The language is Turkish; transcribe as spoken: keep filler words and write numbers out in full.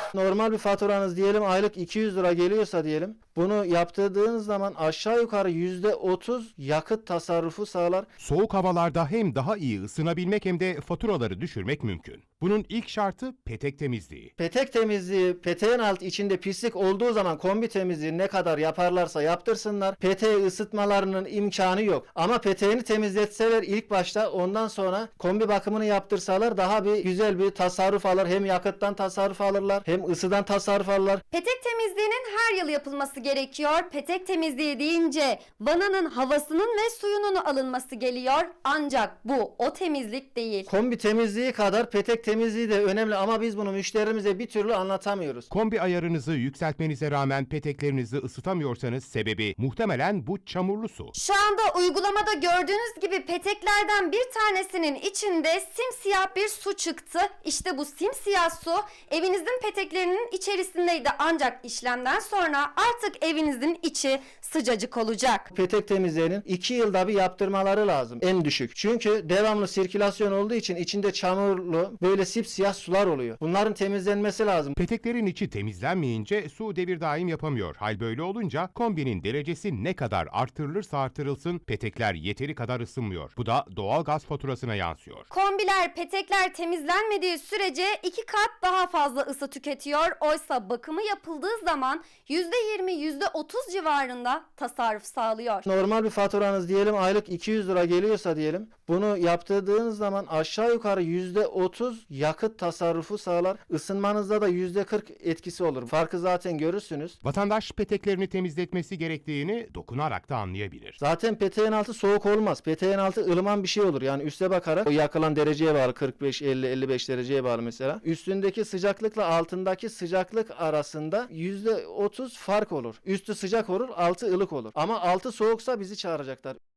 Normal bir faturanız diyelim aylık iki yüz lira geliyorsa diyelim. Bunu yaptırdığınız zaman aşağı yukarı yüzde otuz yakıt tasarrufu sağlar. Soğuk havalarda hem daha iyi ısınabilmek hem de faturaları düşürmek mümkün. Bunun ilk şartı petek temizliği. Petek temizliği, peteğin alt içinde pislik olduğu zaman kombi temizliği ne kadar yaparlarsa yaptırsınlar. Peteği ısıtmalarının imkanı yok. Ama peteğini temizletseler ilk başta, ondan sonra kombi bakımını yaptırsalar daha bir güzel bir tasarruf alır. Hem yakıttan tasarruf alırlar, hem ısıdan tasarruf alırlar. Petek temizliğinin her yıl yapılması gerekiyor. Petek temizliği deyince vananın havasının ve suyunun alınması geliyor. Ancak bu o temizlik değil. Kombi temizliği kadar petek temizliği de önemli ama biz bunu müşterimize bir türlü anlatamıyoruz. Kombi ayarınızı yükseltmenize rağmen peteklerinizi ısıtamıyorsanız sebebi muhtemelen bu çamurlu su. Şu anda uygulamada gördüğünüz gibi peteklerden bir tanesinin içinde simsiyah bir su çıktı. İşte bu simsiyah su evinizin peteklerinin içerisindeydi. Ancak işlemden sonra artık evinizin içi sıcacık olacak. Petek temizliğinin iki yılda bir yaptırmaları lazım en düşük. Çünkü devamlı sirkülasyon olduğu için içinde çamurlu böyle sipsiyah sular oluyor. Bunların temizlenmesi lazım. Peteklerin içi temizlenmeyince su devir daim yapamıyor. Hal böyle olunca kombinin derecesi ne kadar artırılırsa artırılsın petekler yeteri kadar ısınmıyor. Bu da doğal gaz faturasına yansıyor. Kombiler, petekler temizlenmediği sürece iki kat daha fazla ısı tüketiyor. Oysa bakımı yapıldığı zaman yüzde yirmi yüzde otuz civarında tasarruf sağlıyor. Normal bir faturanız diyelim aylık iki yüz lira geliyorsa diyelim. Bunu yaptırdığınız zaman aşağı yukarı yüzde otuz yakıt tasarrufu sağlar. Isınmanızda da yüzde kırk etkisi olur. Farkı zaten görürsünüz. Vatandaş peteklerini temizletmesi gerektiğini dokunarak da anlayabilir. Zaten peteğin altı soğuk olmaz. Peteğin altı ılıman bir şey olur. Yani üste bakarak o yakılan dereceye bağlı, kırk beş, elli, elli beş dereceye bağlı mesela. Üstündeki sıcaklıkla altındaki sıcaklık arasında yüzde otuz fark olur. Üstü sıcak olur, altı ılık olur. Ama altı soğuksa bizi çağıracaklar.